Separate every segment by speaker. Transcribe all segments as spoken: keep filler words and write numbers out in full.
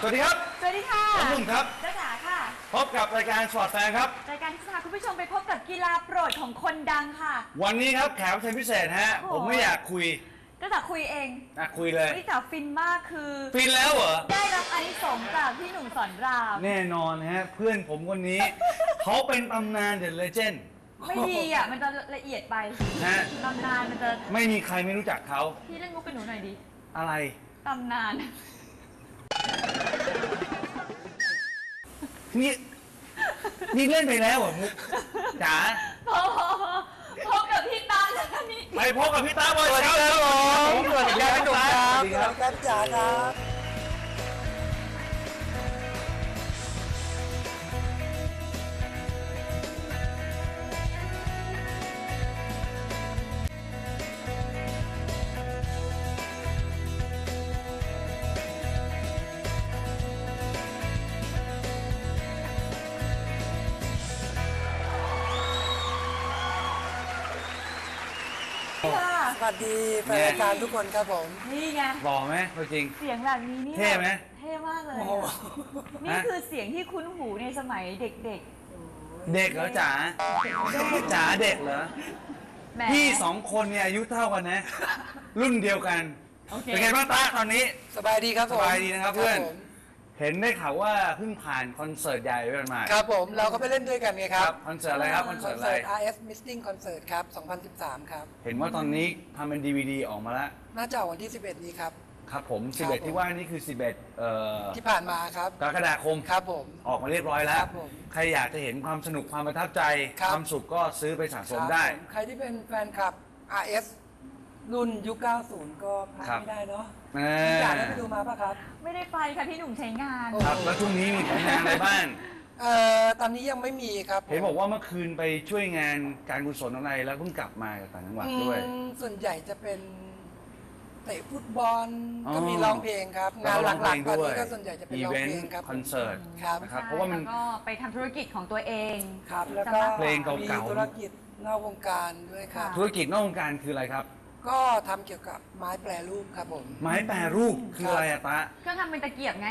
Speaker 1: วัสดีครับ
Speaker 2: สวัสดีค่ะ
Speaker 1: ผมหนุ่มครับ
Speaker 2: จ้าจ๋าค่ะ
Speaker 1: พบกับรายการสปอร์ตแฟร์ครับ
Speaker 2: รายการที่จะพาคุณผู้ชมไปพบกับกีฬาโปรดของคนดังค่ะ
Speaker 1: วันนี้ครับแขกรับเชิญพิเศษฮะผมไม่อยากคุย
Speaker 2: จ้าจ๋าคุยเอง
Speaker 1: อ่ะคุยเลย
Speaker 2: พี่จ๋าฟินมากคือ
Speaker 1: ฟินแล้วเหรอ
Speaker 2: ได้รับอานิสงส์จากพี่หนุ่มสอนราม
Speaker 1: แน่นอนฮะเพื่อนผมคนนี้ เขาเป็นตำนานเดอะเลเจนด์
Speaker 2: ไม่ดีอ่ะมันจะละเอียดไป
Speaker 1: ฮะ
Speaker 2: ตำนานมันจะ
Speaker 1: ไม่มีใครไม่รู้จักเขา
Speaker 2: พี่เล่นมุกกับหนูหน่อยดิ
Speaker 1: อะไร
Speaker 2: ตำนาน
Speaker 1: นี่นี่เล่นไปแล้วเหรอมุกจ๋า
Speaker 2: พอพบกับพี่ตาแล้วกันนี่
Speaker 1: ไปพบกับพี่ตาบอยครับ
Speaker 3: ผมสวัสดีครับพี่หนุ่มครับสวัสดีครับจ๋าครับสวัสดีแฟนรายการทุกคนครับผม
Speaker 2: นี่ไง
Speaker 1: หล่อไหมตัวจริง
Speaker 2: เสียงแบบนี้นี่
Speaker 1: เท่ไหม
Speaker 2: เท่มากเลยนี่คือเสียงที่คุ้นหูในสมัยเด็กๆ
Speaker 1: เด็กเหรอจ๋าจ๋าเด็กเหรอพี่สองคนเนี่ยอายุเท่ากันนะรุ่นเดียวกันเป็นไงบ้างตาตอนนี้
Speaker 3: สบายดีครับ
Speaker 1: สบายดีนะครับเพื่อนเห็นได้ข่าวว่าเพิ่งผ่านคอนเสิร์ตใหญ่ไปมา
Speaker 3: ครับผมเราก็ไปเล่นด้วยกันไงครับ
Speaker 1: คอนเสิร์ตอะไรครับคอนเสิร์ตอะไร
Speaker 3: อาร์ เอฟ Missing Concert ครับสองพันสิบสามครับ
Speaker 1: เห็นว่าตอนนี้ทำเป็น ดี วี ดี ออกมาแล้ว
Speaker 3: น่าจะออกวันที่สิบเอ็ดนี้ครับ
Speaker 1: ครับผมสิบเอ็ดที่ว่านี่คือสิบเอ็ดเอ่อ
Speaker 3: ที่ผ่านมาครับ
Speaker 1: กรกฎาคม
Speaker 3: ครับผม
Speaker 1: ออกมาเรียบร้อยแล้วใครอยากจะเห็นความสนุกความประทับใจความสุขก็ซื้อไปสะสมได้
Speaker 3: ใครที่เป็นแฟนคลับ อาร์ เอฟ รุ่นยุคเก้าสิบก็พลาดไม่ได้เนาะอยากได้ไปดูมาป่ะครับ
Speaker 2: ไม่ได้ไปค่ะพี่หนุ่มใช้งาน
Speaker 1: ครับแล้วช่วงนี้มีผลงานอะไรบ้าง
Speaker 3: เอ่อตอนนี้ยังไม่มีครับ
Speaker 1: เห็นบอกว่าเมื่อคืนไปช่วยงานการกุศลอะไรแล้วเพิ่งกลับมาจากต่างจังหวัดด้วย
Speaker 3: ส่วนใหญ่จะเป็นเตะฟุตบอลก็มีร้องเพลงครับงานหลักๆตอนนี้ก็ส่วนใหญ่จะเป็นร้องเพลงครับ
Speaker 1: คอนเสิร์ต
Speaker 3: นะครับ
Speaker 1: เพราะว่ามัน
Speaker 2: ก็ไปทำธุรกิจของตัวเอง
Speaker 3: ครับแล้วก็
Speaker 1: เพลงเก่า
Speaker 3: ๆธุรกิจนอกวงการด้วยครับ
Speaker 1: ธุรกิจนอกวงการคืออะไรครับ
Speaker 3: ก็ทำเกี่ยวกับไม้แปรรูปครับผม
Speaker 1: ไม้แปรรูปคืออะไรอะตะ
Speaker 2: ก็ทำเป็นตะเกียบไง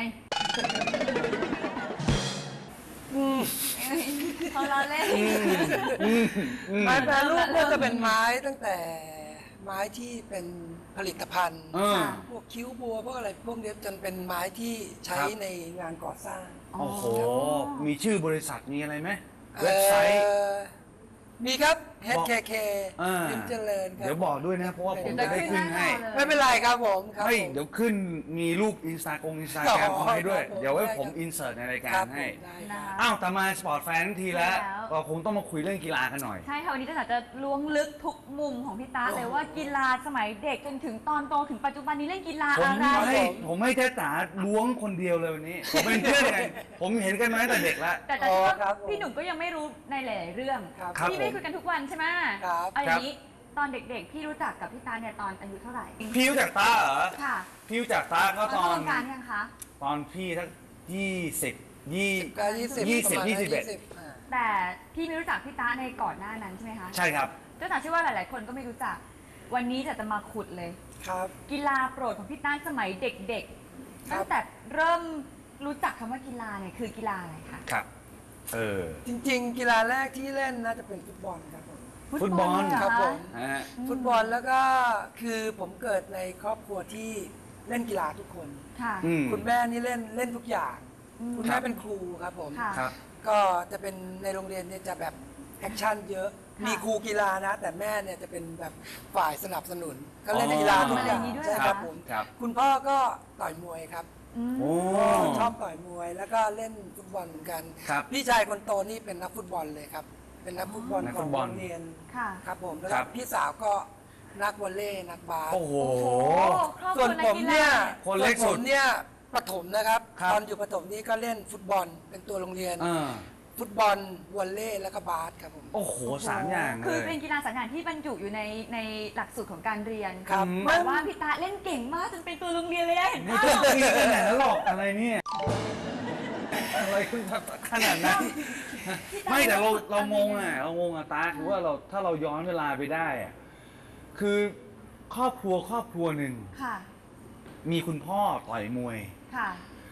Speaker 2: เขาล้อเล่น
Speaker 3: ไม้แปรรูปก็จะเป็นไม้ตั้งแต่ไม้ที่เป็นผลิตภัณฑ์พวกคิ้วบัวพวกอะไรพวกนี้จนเป็นไม้ที่ใช้ในงานก่อสร้าง
Speaker 1: โอ้โหมีชื่อบริษัทมีอะไรไหมเว็บไซต์
Speaker 3: มีครับ เอช เค เค พิมพ์เจริญครับ
Speaker 1: เดี๋ยวบอกด้วยนะเพราะว่าผมจะได้ขึ้นให้
Speaker 3: ไม่เป็นไรครับผม
Speaker 1: ไม่เดี๋ยวขึ้นมีรูปอินสตาแกรมอินสตาแกรมให้ด้วยเดี๋ยวไว้ผมอินเสิร์ตในรายการให้อ้าวแต่มาสปอร์ตแฟนทั้งทีแล้วเราคงต้องมาคุยเรื่องกีฬากันหน่อย
Speaker 2: ใช่ค่ะวันนี้จะจะล้วงลึกทุกมุมของพี่ตาเลยว่ากีฬาสมัยเด็กจนถึงตอนโตถึงปัจจุบันนี้เล่นกีฬาอะไร
Speaker 1: ผมไม่แค่ตาล้วงคนเดียวเลยวันนี้ผมเป็นเพื่อนกันผมเห็นกันมาตั้งแต่เด็กแล้ว
Speaker 2: แต่แต่พี่หนุ่มก็ยังไม่รู้ในหลายเรื่องพี่ไม่คุยกันทุกวันใช่ไหมเอาอย่างนี้ตอนเด็กๆพี่รู้จักกับพี่ตาเนี่ยตอนอายุเท่าไหร่
Speaker 1: พี่รู้จักตาเหรอ
Speaker 2: ค่ะ
Speaker 1: พี่รู้จักตาก็ตอน
Speaker 2: การยังคะ
Speaker 1: ตอนพี่ทั้งยี่สิบยี่
Speaker 3: ยี่สิบ
Speaker 1: ยี่สิบยี่สิบเอ็ด
Speaker 2: แต่พี่ไม่รู้จักพี่ตาในก่อนหน้านั้นใช่ไหมคะ
Speaker 1: ใช่ครับ
Speaker 2: เจ้าตาเชื่อว่าหลายๆคนก็ไม่รู้จักวันนี้จะจะมาขุดเลย
Speaker 3: ครับ
Speaker 2: กีฬาโปรดของพี่ตาสมัยเด็กๆตั้งแต่เริ่มรู้จักคำว่ากีฬาเนี่ยคือกีฬาอะไรคะ
Speaker 1: ครับเออ
Speaker 3: จริงๆกีฬาแรกที่เล่นน่าจะเป็นฟุตบอลครับ
Speaker 1: ฟุตบอล
Speaker 3: ครับผมฟุตบอลแล้วก็คือผมเกิดในครอบครัวที่เล่นกีฬาทุกคนคุณแม่นี่เล่นเล่นทุกอย่างคุณแม่เป็นครูครับผมก็จะเป็นในโรงเรียนเนี่ยจะแบบแอคชั่นเยอะมีครูกีฬานะแต่แม่เนี่ยจะเป็นแบบฝ่ายสนับสนุนก็เล่นกีฬาทุกอย่างใช่ครับผมคุณพ่อก็ต่อยมวยครับชอบต่อยมวยแล้วก็เล่นฟุตบอลเหมือนกันพี่ชายคนโตนี่เป็นนักฟุตบอลเลยครับเป็นนักฟุตบอลของโรงเรียนครับผมแล้วพี่สาวก็นักวอลเลย์นักบาส
Speaker 1: โอ้โห
Speaker 3: ส่วนผมเนี่ยคนเล็กสุดเนี่ยประถมนะครับตอนอยู่ประถมนี่ก็เล่นฟุตบอลเป็นตัวโรงเรียนฟุตบอลวอลเลย์แล้วก็บาสครับผม
Speaker 1: โอ้โหสามอย่าง
Speaker 2: คือเป็นกีฬาสามอย่างที่บรรจุอยู่ในในหลักสูตรของการเรียนครับแต่ว่าพี่ตาเล่นเก่งมากจนเป็นตัวโรงเรียนเลยเห็นไหม
Speaker 1: ไม่ต้องมีขนาดนั้นหรอกอะไรเนี่ยอะไรขึ้นขนาดนั้นไม่แต่เราเรางงอ่ะเรางงอ่ะตาคือว่าเราถ้าเราย้อนเวลาไปได้อ่ะคือครอบครัวครอบครัวหนึ่งมีคุณพ่อต่อยมวย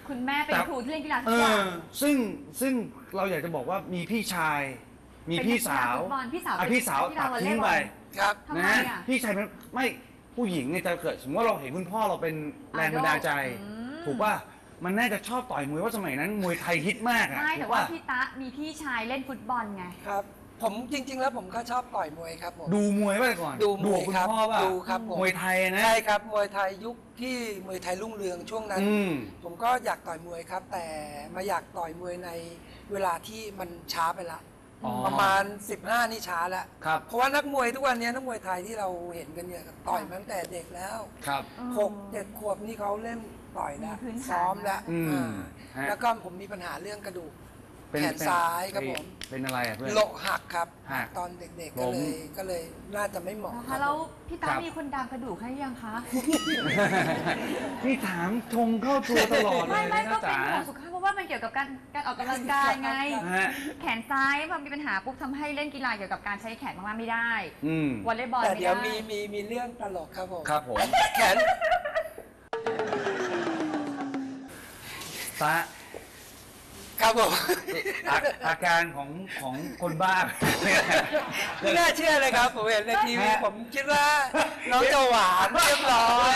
Speaker 2: คุณแม่เป็นครูที่เล่นกีฬาทุ
Speaker 1: เอก
Speaker 2: อย่า
Speaker 1: อง ซึ่งซึ่งเราอยากจะบอกว่ามีพี่ชาย มีพี่สาว
Speaker 2: เป็นนักกีฬาฟุตบอลพี่สาว
Speaker 1: อ่ะพี่สาว
Speaker 2: เป็นนักกีฬาวอลเล
Speaker 1: ตัดทิ้ง
Speaker 2: ย์บ
Speaker 1: ไป
Speaker 2: อล
Speaker 3: ครับ
Speaker 2: ทำไม
Speaker 1: นะฮะ
Speaker 2: อ่ะ
Speaker 1: พี่ชายเป็นไม่ผู้หญิงเนี่ยจะเกิดสมมติว่าเราเห็นคุณพ่อเราเป็นแรงบันดาลใจ
Speaker 2: อืม
Speaker 1: ถูกป่ะมันน่าจะชอบต่อยมวยว่าสมัยนั้นมวยไทยฮิตมากอะ
Speaker 2: ไม่
Speaker 1: ถู
Speaker 2: แต่
Speaker 1: ก
Speaker 2: ว่า
Speaker 1: ป่ะ
Speaker 2: พี่ตะมีพี่ชายเล่นฟุตบอลไง
Speaker 3: ครับ ผมจริง ๆ แล้วผมก็ชอบต่อยมวยครับผม
Speaker 1: ดูมวยป่ะก่อน
Speaker 3: ดูมวย
Speaker 1: กับคุณ
Speaker 3: ครับ
Speaker 1: พ่อป่ะ
Speaker 3: ดูครับผม
Speaker 1: มวยไทยนะ
Speaker 3: ใช่ครับมวยไทยยุคที่มวยไทยรุ่งเรืองช่วงนั้น
Speaker 1: อืม
Speaker 3: ผมก็อยากต่อยมวยครับ แต่มาอยากต่อยมวยในเวลาที่มันช้าไปละ
Speaker 1: อ๋อ
Speaker 3: ประมาณ สิบห้า นี่ช้าแล้ว
Speaker 1: ครับ
Speaker 3: เพราะว่านักมวยทุกวันนี้นักมวยไทยที่เราเห็นกันเนี่ยต่อยมาตั้งแต่เด็กแล้ว
Speaker 1: ครับ
Speaker 3: หกเจ็ดขวบนี่เขาเล่นต่อยแล้ว
Speaker 2: มีพื้นฐาน
Speaker 3: ซ้อมแล้ว
Speaker 1: อืม
Speaker 3: อ่า
Speaker 1: ฮะ
Speaker 3: แล้วก็ผมมีปัญหาเรื่องกระดูก
Speaker 1: เป็น
Speaker 3: แขนซ้ายครับผม
Speaker 1: เป็นอะไรอะเพื่อน
Speaker 3: โลหักครับ
Speaker 1: หัก
Speaker 3: ตอนเด็กๆ
Speaker 1: ล้
Speaker 3: ก็
Speaker 1: ม
Speaker 3: เลยก็เลยน่าจะไม่เหมาะ
Speaker 2: นะ
Speaker 3: ครั
Speaker 2: คะ
Speaker 3: บ
Speaker 2: แล้วพี่
Speaker 1: ครั
Speaker 2: ตา
Speaker 1: บ
Speaker 2: มีคนดามกระดูกให้ยังคะ
Speaker 1: พี่ถามชงเข้าตัวตลอดเล
Speaker 2: ไม่
Speaker 1: ย
Speaker 2: ไม่
Speaker 1: นะ
Speaker 2: ก็เป็น
Speaker 1: จ๋า
Speaker 2: ห่วงสุขภาพเพราะว่ามันเกี่ยวกับการการออกกำลังกายไง
Speaker 1: ฮะ
Speaker 2: แขนซ้ายพอมีปัญหาปุ๊บทำให้เล่นกีฬาเกี่ยวกับการใช้แขนมากๆไม่ได้
Speaker 1: อืม
Speaker 2: วอลเลย์บอล
Speaker 3: แต่
Speaker 2: ไม่
Speaker 3: เดี๋ยว
Speaker 2: ได้
Speaker 3: มีมีมีเรื่องตลกครับผม
Speaker 1: ครับผม
Speaker 3: แขน
Speaker 1: ตา
Speaker 3: ครับผม
Speaker 1: อาอาการของของคนบ้า
Speaker 3: ไม่น่าเชื่อเลยครับ ผมเห็นในทีวี
Speaker 1: ฮะ
Speaker 3: ผมคิดว่าน้องจะหวานเรียบร้อย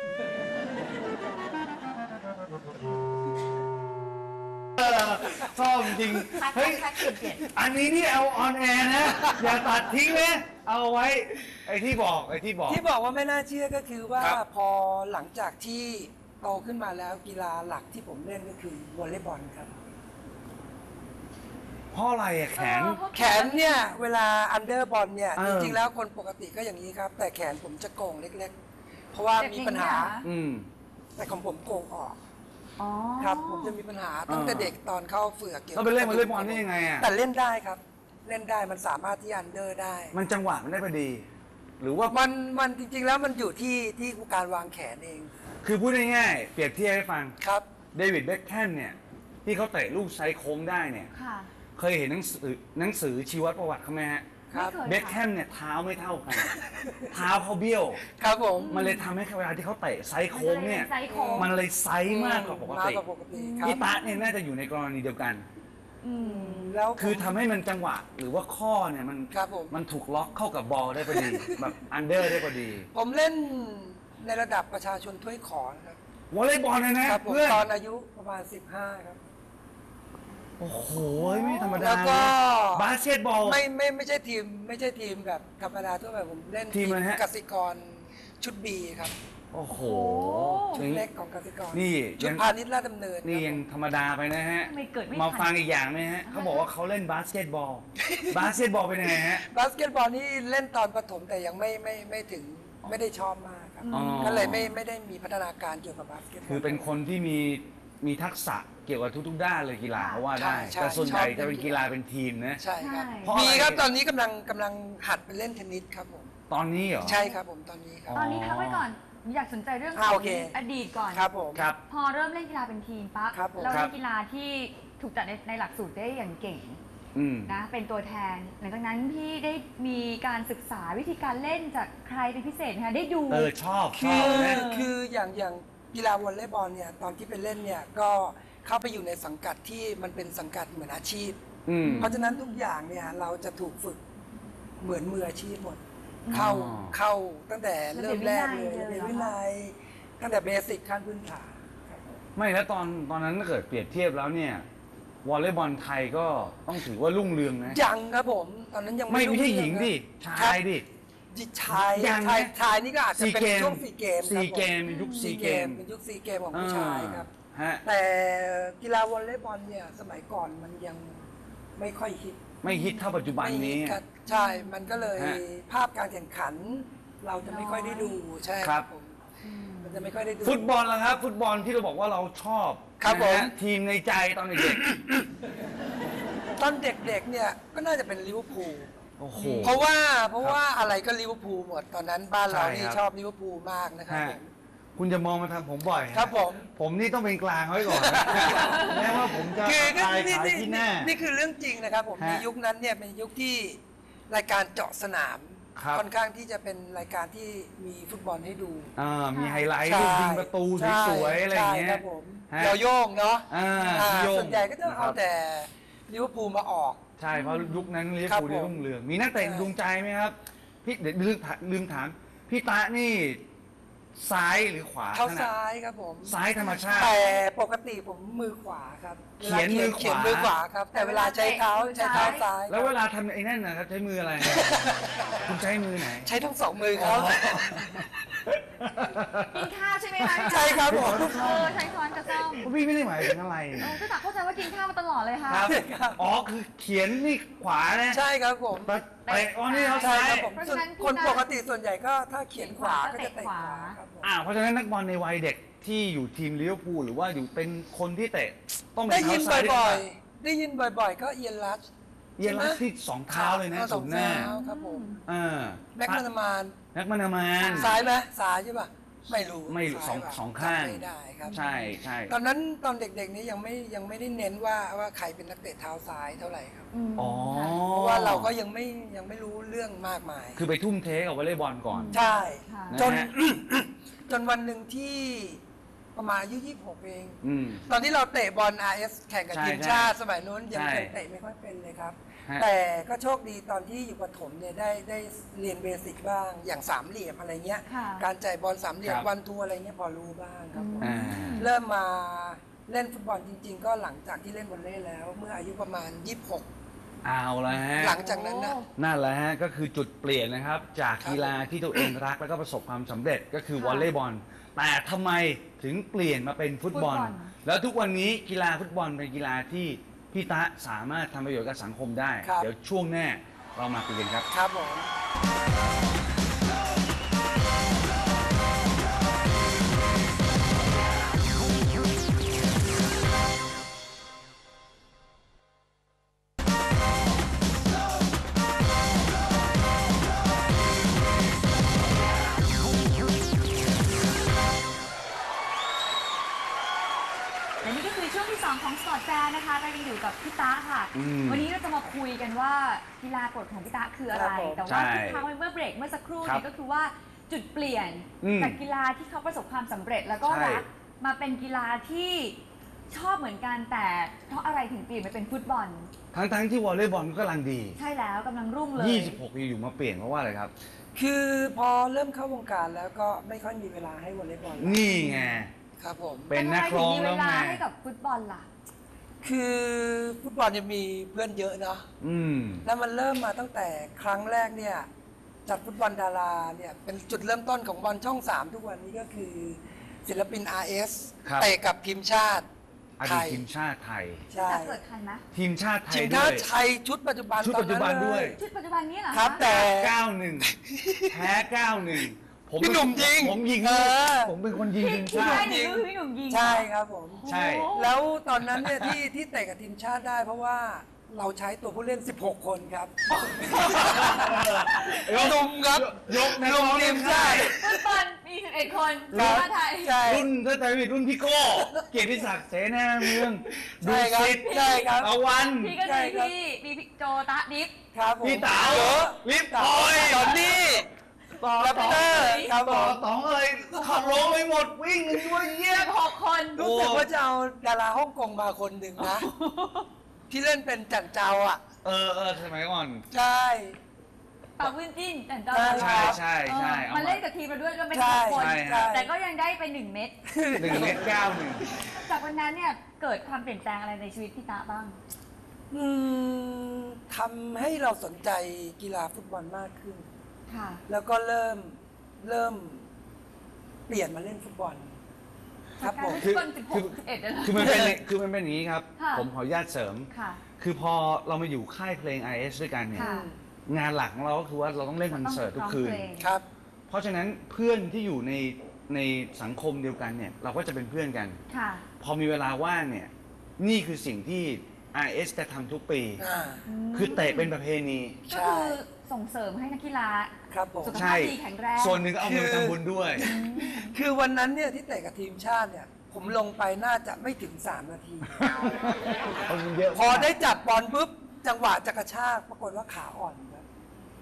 Speaker 1: เออชอบจริง
Speaker 2: คัด
Speaker 1: เฮ้ย
Speaker 2: คัดคัดเปลี่ยนเปลี่ยน
Speaker 1: อันนี้นี่เอาออนแอร์นะ อย่าตัดทิ้งนะเอาไว้ ไอ้ที่บอกไอ้ที่บอก
Speaker 3: ที่บอกว่าไม่น่าเชื่อก็คือว่า
Speaker 1: ครับ
Speaker 3: พอหลังจากที่โตขึ้นมาแล้วกีฬาหลักที่ผมเล่นก็คือวอลเลย์บอลครับ
Speaker 1: เพราะอะไรอะแขน
Speaker 2: เออเพราะ
Speaker 3: แขนเนี่ยเวลาอันเดอร์บอลเนี่ย
Speaker 1: เอ
Speaker 3: จ
Speaker 1: อ
Speaker 3: ริงๆแล้วคนปกติก็อย่างนี้ครับ แต่แขนผมจะโก่งเล็กๆ เพราะว่ามีปัญหา
Speaker 1: อืม
Speaker 3: แต่ของผมโก่งออก
Speaker 2: อ๋อ
Speaker 3: ครับผมจะมีปัญหาตั้งแต่เด็กตอนเข้าเฝือกเกี่ยว
Speaker 1: เราไปเล่นวอลเลย์บอลได้ยังไงอะ
Speaker 3: แต่เล่นได้ครับ เล่นได้มันสามารถที่อันเดอร์ได้
Speaker 1: มันจังหวะมันได้พอดี หรือว่า
Speaker 3: มันมันจริงๆแล้วมันอยู่ที่ที่การวางแขนเอง
Speaker 1: คือพูดง่ายๆเปรียบเทียบให้ฟัง
Speaker 3: ครับ
Speaker 1: เดวิดเบ็คแฮมเนี่ย ที่เขาเตะลูกไซส์โค้งได้เนี่ย
Speaker 2: ค่ะ
Speaker 1: เคยเห็นหนังสือหนังสือชีวประวัติเขาไหมฮะ
Speaker 3: ครับ
Speaker 2: ไม่เคย
Speaker 1: เบ็คแฮมเนี่ยเท้าไม่เท่ากัน เท้าเขาเบี้ยว
Speaker 3: ครับผม
Speaker 1: มันเลยทำให้เวลาที่เขาเตะไซส์โค้งเนี่ย
Speaker 2: ไซส์โค้ง
Speaker 1: มันเลยไซส์มากกว่าปกติ
Speaker 3: มากกว่าปกติครับ
Speaker 1: พี่ตะเนี่ยน่าจะอยู่ในกรณีเดียวกัน
Speaker 2: อืม
Speaker 3: แล้วผม
Speaker 1: คือทำให้มันจังหวะ หรือว่าข้อเนี่ยมัน
Speaker 3: ครับผม
Speaker 1: มันถูกล็อกเข้ากับบอลได้พอดี แบบอันเดอร์ได้พอดี
Speaker 3: ผมเล่นในระดับประชาชนถ้วยขอนะครับ
Speaker 1: วอลเลย์บอลเลยนะครับ
Speaker 3: ผม
Speaker 1: เพื่อน
Speaker 3: ตอนอายุประมาณ สิบห้า ครับ
Speaker 1: โอ้โหไม่ธรรมดา
Speaker 3: แล้วก็
Speaker 1: บาสเกตบอล
Speaker 3: ไม่ไม่ไม่ใช่ทีมไม่ใช่ทีมแบบธรรมดาทั่วไปผมเล่น
Speaker 1: ทีมอะไรฮะ
Speaker 3: กสิกรชุดบีครับ
Speaker 1: โอ้โห
Speaker 3: ชุดเล็กของกสิกร
Speaker 1: นี่
Speaker 3: ชุด
Speaker 1: ยัง
Speaker 3: พาณิชย์ราชดำเนิน
Speaker 1: นี่
Speaker 3: ครับ
Speaker 1: ยังธรรมดาไปนะฮะ
Speaker 2: ทำไมเกิดไม่
Speaker 1: มา
Speaker 2: ทัน
Speaker 1: ฟังอีกอย่างไหมฮะเขาบอกว่าเขาเล่นบาสเกตบอล บาสเกตบอลเป็นยังไงฮะ
Speaker 3: บาสเกตบอลนี่เล่นตอนประถมแต่ยังไม่ไม่ไม่ถึงไม่ได้ชอบมากครับ
Speaker 1: อ๋อ
Speaker 3: ก็เลยไม่ไม่ได้มีพัฒนาการเกี่ยวกับบาสเกตบอล
Speaker 1: คือเป็นคนที่มีมีทักษะเกี่ยวกับทุกๆ ด้านเลยกีฬาเขาว่าได้
Speaker 3: ใช่ใช่
Speaker 1: แต่ส่วนใหญ่
Speaker 3: ชอบ
Speaker 1: จะเป็นกีฬาเป็นทีมนะ
Speaker 3: ใช่ครับ
Speaker 2: ใช่
Speaker 1: เพราะอะไร
Speaker 3: มีครับตอนนี้กำลังกำลังหัดไปเล่นเทนนิสครับผม
Speaker 1: ตอนนี้เหรอ
Speaker 3: ใช่ครับผมตอนนี้ครับ
Speaker 2: ตอนนี้พักไว้ก่อน อยากสนใจเรื่องข
Speaker 3: อ่า
Speaker 2: อ
Speaker 3: โอง เค
Speaker 2: อดีตก่อน
Speaker 3: ครับผม
Speaker 1: ครับ
Speaker 2: พอเริ่มเล่นกีฬาเป็นทีมปั๊บ
Speaker 3: ครับผม
Speaker 2: เรา
Speaker 1: ครั
Speaker 2: เล่
Speaker 1: บ
Speaker 2: นกีฬาที่ถูกจัดในในหลักสูตรได้อย่างเก่ง
Speaker 1: อืม
Speaker 2: นะ เป็นตัวแทน หลังจากนั้นพี่ได้มีการศึกษาวิธีการเล่นจากใครเป็นพิเศษไหมคะได้ดู
Speaker 1: เออชอบช
Speaker 3: คื
Speaker 1: อบ
Speaker 3: อ
Speaker 1: นะ
Speaker 3: คืออย่างอย่างกีฬาวอลเลย์บอลเนี่ยตอนที่ไปเล่นเนี่ยก็เข้าไปอยู่ในสังกัดที่มันเป็นสังกัดเหมือนอาชีพ
Speaker 1: อืม
Speaker 3: เพราะฉะนั้นทุกอย่างเนี่ยเราจะถูกฝึกเหมือนมืออาชีพหมด เข้า
Speaker 1: อ๋อ
Speaker 3: เข้าตั้งแต่เริ่มแรกเลย
Speaker 2: ระเบี
Speaker 3: เรี
Speaker 2: ย
Speaker 3: ย
Speaker 2: บ
Speaker 3: น
Speaker 2: วิ
Speaker 3: วิ
Speaker 2: นั
Speaker 3: นั
Speaker 2: ย
Speaker 3: ยตั้งแต่เบสิกขั้นพื้นฐานครับผม
Speaker 1: ไม่แล้วตอนตอนนั้นถ้าเกิดเปรียบเทียบแล้วเนี่ยวอลเลย์บอลไทยก็ต้องถือว่ารุ่งเรืองนะ
Speaker 3: ยังครับผมตอนนั้นยัง
Speaker 1: ไม่
Speaker 3: ไม่
Speaker 1: ไม่ใช่หญิงดิ
Speaker 3: ครับ
Speaker 1: ชายดิ
Speaker 3: ชาย
Speaker 1: ยังนะ
Speaker 3: ชายชายนี่ก็อาจจะเป็น
Speaker 1: ซีเกม
Speaker 3: ช่วงซีเกม
Speaker 1: ซีเกม
Speaker 3: ครับผ
Speaker 1: ยุคซี
Speaker 3: ซี
Speaker 1: เก
Speaker 3: เก
Speaker 1: ม
Speaker 3: มเป็นยุคซีเกมของผู้ชายครับ
Speaker 1: ฮะ
Speaker 3: แต่กีฬาวอลเลย์บอลเนี่ยสมัยก่อนมันยังไม่ค่อยฮิต
Speaker 1: ไม่ฮิตเท่าปัจจุบัน
Speaker 3: ไม่ฮิ
Speaker 1: นี้
Speaker 3: ตกันใช่ มันก็เลย
Speaker 1: ฮะ
Speaker 3: ภาพการแข่งขัน เราจะไม่ค่อยได้ดูใช่
Speaker 1: ครับ
Speaker 3: ผมมันจะไม่ค่อยได้ดู
Speaker 1: ฟุตบอลล่ะครับ ฟุตบอลที่เราบอกว่าเราชอบ
Speaker 3: ครับ
Speaker 1: นะฮะ
Speaker 3: ผม
Speaker 1: ทีมในใจตอนเด็ก
Speaker 3: ตอนเด็กๆเนี่ยก็น่าจะเป็นลิเวอร์พูล
Speaker 1: ๆโอ้โห
Speaker 3: เพราะว่าเพราะว่าอะไรก็ลิเวอร์พูลหมดตอนนั้นบ้านเรา
Speaker 1: ใช่
Speaker 3: นี่
Speaker 1: ครับ
Speaker 3: ชอบลิเวอร์พูลมากนะครับ
Speaker 1: ฮะ
Speaker 3: ผม
Speaker 1: คุณจะมองมาทางผมบ่อยฮะ
Speaker 3: ครับผม
Speaker 1: ผมนี่ต้องเป็นกลางไว้ก่อนนะ แม้ว่าผมจะ
Speaker 3: คือก็
Speaker 1: ขาย
Speaker 3: นี่
Speaker 1: ขาย
Speaker 3: นี่
Speaker 1: ที่หน้า
Speaker 3: นี่คือเรื่องจริงนะครับผม
Speaker 1: ฮะ
Speaker 3: ในยุคนั้นเนี่ยเป็นยุคที่รายการเจาะสนาม
Speaker 1: ครับ
Speaker 3: ค่อนข้างที่จะเป็นรายการที่มีฟุตบอลให้ดู
Speaker 1: อ่ามีไฮไลท์
Speaker 3: ใช่
Speaker 1: ลูกยิงประตู
Speaker 3: ใช่
Speaker 1: สวยๆอะไรอย่างเงี้
Speaker 3: ใช่ค
Speaker 1: ย
Speaker 3: รับผม
Speaker 1: ฮะ
Speaker 3: เยาโย่งเนาะ
Speaker 1: อ่า
Speaker 3: อ่า
Speaker 1: พี่โย่ง
Speaker 3: ส่วนใหญ่ก็จะ
Speaker 1: ค
Speaker 3: เอา
Speaker 1: รับ
Speaker 3: แต่ลิเวอร์พูลมาออก
Speaker 1: ใช่เพราะยุคนั้นลิเวอ
Speaker 3: ครั
Speaker 1: ร์
Speaker 3: บ
Speaker 1: พูลได้
Speaker 3: ผม
Speaker 1: รุ่งเรืองมีนักเตะ
Speaker 3: ใช่
Speaker 1: ดวงใจไหมครับพี่เดี๋ยวลืมถามลืมถามพี่ตะนี่ซ้ายหรือขวา
Speaker 3: เท้า
Speaker 1: ถนัด
Speaker 3: ซ้ายครับผม
Speaker 1: ซ้ายธรรมชาติ
Speaker 3: แต่ปกติผมมือขวาครับ
Speaker 1: เขียนมือขวา
Speaker 3: เขียนมือขวาครับ แต่เวลาใช้เท้าใช้เท้าซ้าย
Speaker 1: แล้วเวลาทำไอ้นั่นนะครับใช้มืออะไร คุณใช้มือไหน
Speaker 3: ใช้ทั้งสองมือครับ
Speaker 2: กินข้าวใช่ไหมคะ
Speaker 3: ใช่ครับผม
Speaker 2: เออใช้ช้อนกับส้อม
Speaker 1: พี่ไม่ได้หมายถึงอะไร
Speaker 2: เออก็ตักเข้าใจว่ากินข้าวมาตลอดเลยค่ะ
Speaker 1: ครับ
Speaker 3: ครับ
Speaker 1: อ๋อคือเขียนนี่ขวานะ
Speaker 3: ใช่ครับผม
Speaker 1: ไปไปอ๋อนี่เขา
Speaker 3: ใช่
Speaker 1: ซ้าย
Speaker 3: ครับผม
Speaker 2: เพราะ
Speaker 3: ส่วน
Speaker 2: ฉะนั้น
Speaker 3: คน
Speaker 2: พี่
Speaker 3: ป
Speaker 2: ตา
Speaker 3: กติส่วนใหญ่ก็ถ้าเขียนขวาก็จะเตะขวาครับผม
Speaker 1: อ่าเพราะฉะนั้นนักบอลในวัยเด็กที่อยู่ทีมลิเวอร์พูลหรือว่าอยู่เป็นคนที่เตะต้องเป็
Speaker 3: ได้
Speaker 1: น
Speaker 3: ยิน
Speaker 1: เท้าซ้าย
Speaker 3: บ่อย
Speaker 1: ด้วย
Speaker 3: ๆ ได้ยินบ่อยๆ ก็เอียนรัช
Speaker 1: เอียนรัชที่สองเท้าเลยนะ
Speaker 3: ส
Speaker 1: สุ
Speaker 3: อง
Speaker 1: ดหน้า
Speaker 3: เท้าครับผม
Speaker 1: อ่า
Speaker 3: แม็กมานามาน
Speaker 1: นักมานามาน
Speaker 3: ซ้ายไหมซ้ายใช่ป่ะไม่รู้
Speaker 1: ไม่รู้
Speaker 3: ซ้ย
Speaker 1: สอง
Speaker 3: ป่ะ
Speaker 1: สองข้าง
Speaker 3: จำไม่ได้ครับ
Speaker 1: ใช่ใช่
Speaker 3: ตอนนั้นตอนเด็กๆนี้ยังไม่ยังไม่ได้เน้นว่าว่าใครเป็นนักเตะเท้าซ้ายเท่าไหร่ครับ
Speaker 2: ม
Speaker 1: อ๋อ
Speaker 3: เพราะว่าเราก็ยังไม่ยังไม่รู้เรื่องมากมาย
Speaker 1: คือไปทุ่มเทกับวอลเลย์บอลก่อน
Speaker 3: ใช่
Speaker 2: ค่ะ
Speaker 1: นะ
Speaker 3: จน
Speaker 1: ฮะ
Speaker 3: จนวันหนึ่งที่ประมาณอายุยี่สิบหกเอง
Speaker 1: อืม
Speaker 3: ตอนที่เราเตะบอล อาร์ เอส แข่งกับ
Speaker 1: ใช่
Speaker 3: ทีมชาติสมัยนู้นยัง
Speaker 1: ใช่
Speaker 3: เตะไม่ค่อยเป็นเลยครับ
Speaker 1: ฮะ
Speaker 3: แต่ก็โชคดีตอนที่อยู่ประถมเนี่ยได้ได้เรียนเบสิกบ้างอย่างสามเหลี่ยมอะไรเงี้ย
Speaker 2: ค่ะ
Speaker 3: การจ่ายบอลสามเหลี่ยม
Speaker 1: ครับ
Speaker 3: วันทัวอะไรเงี้ยพอรู้บ้างครับผม
Speaker 1: อ่า
Speaker 3: เริ่มมาเล่นฟุตบอลจริง ๆ ก็หลังจากที่เล่นวอลเลย์แล้ว เมื่ออายุประมาณยี่สิบหก
Speaker 1: เอาละฮะ
Speaker 3: หลังจากนั้นนะ
Speaker 2: โอ้
Speaker 1: นั่นแหละฮะก็คือจุดเปลี่ยนนะครับ จาก
Speaker 3: ครับ
Speaker 1: กีฬาที่ตัวเองรักแล้วก็ประสบความสำเร็จก็คือ
Speaker 2: ค่ะ
Speaker 1: วอลเลย์บอลแต่ทำไมถึงเปลี่ยนมาเป็นฟุตบอล
Speaker 2: ฟุตบอล
Speaker 1: แล้วทุกวันนี้กีฬาฟุตบอลเป็นกีฬาที่พี่ตะสามารถทำประโยชน์กับสังคมได้
Speaker 3: ครับ
Speaker 1: เดี๋ยวช่วงหน้าเรามาคุยกันครับ
Speaker 3: ครับผม
Speaker 2: และนี่ก็คือช่วงที่สองของสปอร์ตแฟร์นะคะเรายังอยู่กับพี่ตาค่ะ
Speaker 1: อืม
Speaker 2: วันนี้เราจะมาคุยกันว่ากีฬากฎของพี่ตาคืออะไร
Speaker 3: ครับผม
Speaker 2: แต่ว่า
Speaker 1: ใช่
Speaker 2: ที่ค้างไว้เมื่อเบรกเมื่อสักครู่
Speaker 1: ครับ
Speaker 2: เนี่ยก็คือว่าจุดเปลี่ยน
Speaker 1: อืม
Speaker 2: จากกีฬาที่เขาประสบความสำเร็จแล้วก็
Speaker 1: ใช่
Speaker 2: รักมาเป็นกีฬาที่ชอบเหมือนกันแต่เพราะอะไรถึงเปลี่ยนมาเป็นฟุตบอล
Speaker 1: ทั้งๆที่วอลเลย์บอลก็กำลังดี
Speaker 2: ใช่แล้วกำลังรุ่งเลย
Speaker 1: ยี่สิบหกอยู่ๆมาเปลี่ยนเพราะว่าอะไรครับ
Speaker 3: คือพอเริ่มเข้าวงการแล้วก็ไม่ค่อยมีเวลาให้วอลเลย์บอลแล้ว
Speaker 1: นี่ไง
Speaker 3: ครับผม
Speaker 1: เป็นนักร้อง
Speaker 2: ต่
Speaker 1: แล้
Speaker 2: ทำไมถึมีเว
Speaker 1: วไง
Speaker 2: ลาให้กับฟุตบอลล่ะ
Speaker 3: คือฟุตบอลเนี่ยมีเพื่อนเยอะเนาะ
Speaker 1: อืม
Speaker 3: แล้วมันเริ่มมาตั้งแต่ครั้งแรกเนี่ยจัดฟุตบอลดาราเนี่ยเป็นจุดเริ่มต้นของบอลช่องสามทุกวันนี้ก็คือศิลปิน อาร์ เอส
Speaker 1: ครับ
Speaker 3: เตะกับทีมชาติ
Speaker 1: อ
Speaker 3: ไท
Speaker 1: ดีต
Speaker 3: ย
Speaker 1: ทีมชาติไทย
Speaker 3: ใช่
Speaker 2: จะเกิดทันไหม
Speaker 1: ทีมชาติไท
Speaker 3: ที
Speaker 1: ย
Speaker 3: ม
Speaker 1: ด้
Speaker 3: ชา
Speaker 1: วย
Speaker 3: ติไทยชุดปัจจุบัน
Speaker 1: ชุดปัจจุบันด้วย
Speaker 2: ชุดปัจจุบันนี้เหรอคะ
Speaker 3: ครับแต่
Speaker 1: เก้าหนึ่งแพ้เก้าหนึ่งผม
Speaker 3: พี่หนุ่มยิง
Speaker 1: ผมยิง
Speaker 3: เออ
Speaker 1: ผมเป็นคนยิงทีม
Speaker 2: ที่
Speaker 1: ชา
Speaker 2: ได้
Speaker 1: ติ
Speaker 2: หนูคือพี่หนุ่มยิง
Speaker 3: ใช่ครับผม
Speaker 1: ใช่
Speaker 2: โอ้
Speaker 3: แล้วตอนนั้นเนี่ยที่ที่เตะกับทีมชาติได้เพราะว่าเราใช้ตัวผู้เล่น สิบหก คนครับหนุ่มครับ
Speaker 1: ยก
Speaker 3: หนุ่มทีมชาติ
Speaker 2: ฟุตบอลมีสิบเอ็ดคน
Speaker 3: ค
Speaker 2: ที
Speaker 3: รั
Speaker 2: ม
Speaker 3: บ
Speaker 2: ชาติไทย
Speaker 3: ใช่
Speaker 1: รุ่นถ้าใจผิดรุ่นพี่โก้เกียรติศักดิ์เสนาเมืองดู
Speaker 3: ใช่ครับ
Speaker 1: สิทธิ์
Speaker 3: ใช่ครับ
Speaker 1: ตะวัน
Speaker 2: พี่ก็
Speaker 3: ใช่
Speaker 2: มี
Speaker 3: ครับ
Speaker 2: พี่มีพี่โจตะดิฟ
Speaker 3: ครับผม
Speaker 1: พี่เต๋า
Speaker 3: เยอะ
Speaker 1: ลิฟต์
Speaker 3: เต๋า
Speaker 1: พลอย
Speaker 3: จอนนี่
Speaker 1: ต่อ
Speaker 3: แรป
Speaker 1: ต่อ
Speaker 3: เตอร์ครับผ
Speaker 1: ต่อ
Speaker 3: ม
Speaker 1: ต่ออะไรขับร้องไปหมดวิ่งกันด้วยเยี่ย
Speaker 2: สิ
Speaker 1: ม
Speaker 2: บหกคน
Speaker 3: รู้สึกว่าจะเอาดาราฮ่องกงมาคนหนึ่งนะ ที่เล่นเป็นจันเจ้าอ่ะ
Speaker 1: เออเออสมัยก่อน
Speaker 3: ใช่
Speaker 2: ปากวินจิ้นแต่เจ้า
Speaker 3: ใช่
Speaker 1: ใช่ใช่ใช่
Speaker 2: เออ
Speaker 1: เอา
Speaker 2: มัน
Speaker 1: มา
Speaker 2: เล่นกับทีมเราด้วยก็ไม่
Speaker 3: ใช่
Speaker 2: ใช่คน
Speaker 1: ใช่ฮะ
Speaker 2: แต่ก็ยังได้ไปหนึ่งเม็ด
Speaker 1: หนึ่งเมตรเก้าหนึ่ง
Speaker 2: จากวันนั้นเนี่ยเกิดความเปลี่ยนแปลงอะไรในชีวิตพี่ตาบ้าง
Speaker 3: อืมทำให้เราสนใจกีฬาฟุตบอลมากขึ้น
Speaker 2: ค่ะ
Speaker 3: แล้วก็เริ่มเริ่มเปลี่ยนมาเล่นฟุตบอล ครับผม
Speaker 2: ฟุตบอลสิบหกสิบเอ็ดเลยเหรอ
Speaker 1: คือมันเป็นคือมันเป็นอย่างนี้ครับ
Speaker 2: ค่ะ
Speaker 1: ผมขออนุญาตเสริม
Speaker 2: ค่ะ
Speaker 1: คือพอเรามาอยู่ค่ายเพลง ไอ เอส ด้วยกันเนี่ย
Speaker 2: ค่ะ
Speaker 1: งานหลักของเราก็คือว่าเราต้องเล่นคอนเสิร์ตทุกคืน
Speaker 2: ต้องร้องเพลง
Speaker 3: ครับ
Speaker 1: เพราะฉะนั้นเพื่อนที่อยู่ในในสังคมเดียวกันเนี่ยเราก็จะเป็นเพื่อนกัน
Speaker 2: ค่ะ
Speaker 1: พอมีเวลาว่างเนี่ยนี่คือสิ่งที่ ไอ เอส จะทำทุกปี
Speaker 3: อ่า
Speaker 1: คือเตะเป็นประเพณี
Speaker 2: ก็คือส่งเสริมให้นักกีฬา
Speaker 3: ครับผม
Speaker 2: สุข
Speaker 1: ใช่
Speaker 2: ภาพดีแข็งแรง
Speaker 1: ส่วนหนึ่งก็เอาเงินไปทำบุญด้วย
Speaker 3: คือวันนั้นเนี่ยที่เตะกับทีมชาติเนี่ย ผมลงไปน่าจะไม่ถึงสามนาที
Speaker 1: เอาเงินเยอะ
Speaker 3: พอได้จับบอลปุ๊บจังหวะจะกระชากปรากฏว่าขาอ่อนครับ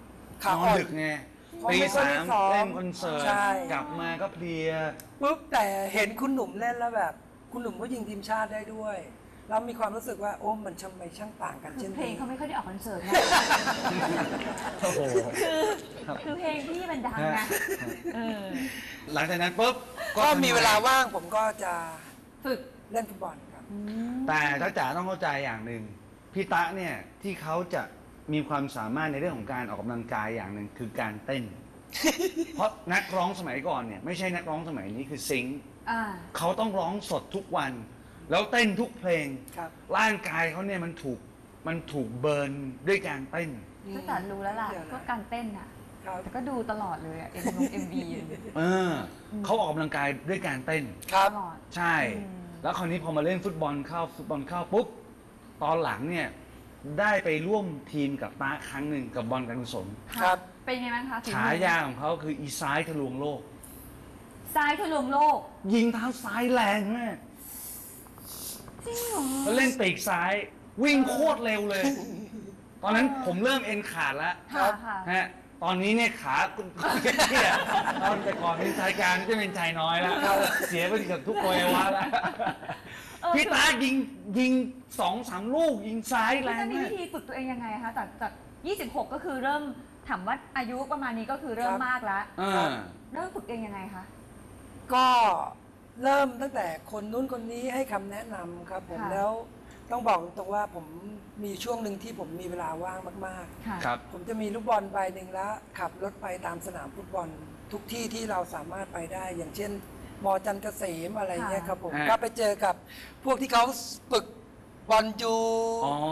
Speaker 3: ขาน
Speaker 1: อ
Speaker 3: อ่
Speaker 1: น
Speaker 3: อน
Speaker 1: ดึกไง
Speaker 3: เพราะ
Speaker 1: ตี
Speaker 3: ไม่ค่อย
Speaker 1: สา
Speaker 3: ได้
Speaker 1: ม
Speaker 3: ซ้อม
Speaker 1: เล่นคอนเสิร์ต
Speaker 3: ใช่
Speaker 1: กลับมาก็เพลีย
Speaker 3: ปุ๊บแต่เห็นคุณหนุ่มเล่นแล้วแบบ คุณหนุ่มก็ยิงทีมชาติได้ด้วยแล้วมีความรู้สึกว่าโอ้มันช่างไม่ช่างต่างกัน
Speaker 2: คื
Speaker 3: เช่
Speaker 2: อน เพลง
Speaker 3: นี้
Speaker 2: เขาไม่ค่อยได้ออกคอนเสิร์ตนะ
Speaker 1: โอ้โห
Speaker 2: คือคือเพลงพี่มันดังไงเออ
Speaker 1: หลังจากนั้นปุ๊บ
Speaker 3: ก็มีเวลาว่างผมก็จะ
Speaker 2: ฝึก
Speaker 3: เล่นฟุตบอลครับ
Speaker 1: แต่ถ้าจ๋าต้องเข้าใจอย่างหนึ่งพี่ตะเนี่ยที่เขาจะมีความสามารถในเรื่องของการออกกำลังกายอย่างหนึ่งคือการเต้น เพราะนักร้องสมัยก่อนเนี่ยไม่ใช่นักร้องสมัยนี้คือซิงค์
Speaker 2: อ่า
Speaker 1: เขาต้องร้องสดทุกวัน แล้วเต้นทุกเพลง
Speaker 3: ครับ
Speaker 1: ร่างกายเขาเนี่ยมันถูกมันถูกเบิร์นด้วยการเต้น
Speaker 2: ก็แต่รู้แล้วล่ะ
Speaker 3: เดี๋ยวนะ
Speaker 2: ก็การเต้นอ่ะ
Speaker 3: ครับ
Speaker 2: แต่ก็ดูตลอดเลยอ่ะเอ็มเอ็มบี
Speaker 1: เออเขาออกกำลังกายด้วยการเต้น
Speaker 3: ครับ
Speaker 2: ตลอด
Speaker 1: ใช่
Speaker 2: อืม
Speaker 1: แล้วคราวนี้พอมาเล่นฟุตบอลเข้าฟุตบอลเข้าปุ๊บ ตอนหลังเนี่ยได้ไปร่วมทีมกับตาครั้งหนึ่งกับบอลการกุศล
Speaker 3: ครับ
Speaker 2: เป็นไงบ้างคะฝีมือ
Speaker 1: ฉายาของเขาคืออีซ้ายทะลวงโลก
Speaker 2: ซ้ายทะลวงโลก
Speaker 1: ยิงเท้าซ้ายแรงมาก
Speaker 2: จริงเหรอ
Speaker 1: แล้วเล่นปีกซ้าย วิ่งโคตรเร็วเลย ตอนนั้นผมเริ่มเอ็นขาดแล้ว
Speaker 2: ค่ะค่ะ
Speaker 1: ฮะตอนนี้เนี่ยขาเที่ยตอนแต่ก่อนเป็นชายกลางจะเป็นชายน้อยแล้ว เสียไปเกือบทุกอวัยวะแล้ว
Speaker 2: เออ
Speaker 1: พี่ตายิงยิงสองสามลูกยิงซ้าย
Speaker 2: คือ
Speaker 1: แร
Speaker 2: จะ
Speaker 1: ง
Speaker 2: มี
Speaker 1: มาก
Speaker 2: วิธีฝึกตัวเองยังไงคะจากจากยี่สิบหกก็คือเริ่มถามว่าอายุประมาณนี้ก็คือเริ่ม
Speaker 3: ครับ
Speaker 2: มากแล้ว
Speaker 1: เออ
Speaker 2: เริ่มฝึกเองยังไงคะ
Speaker 3: ก็เริ่มตั้งแต่คนนู้นคนนี้ให้คำแนะนำครับผม
Speaker 2: ค่ะ
Speaker 3: แล้วต้องบอกตรงว่าผมมีช่วงหนึ่งที่ผมมีเวลาว่างมาก
Speaker 2: ค่ะ
Speaker 1: ครับ
Speaker 3: ๆ ผมจะมีลูกบอลใบหนึ่งแล้วขับรถไปตามสนามฟุตบอลทุกที่ที่เราสามารถไปได้ อย่างเช่นมอจันทร์เกษมอะไรเงี้ยครับผม
Speaker 1: ฮะ
Speaker 3: ก็ไปเจอกับพวกที่เขาฝึกบอลยู
Speaker 1: อ๋อบ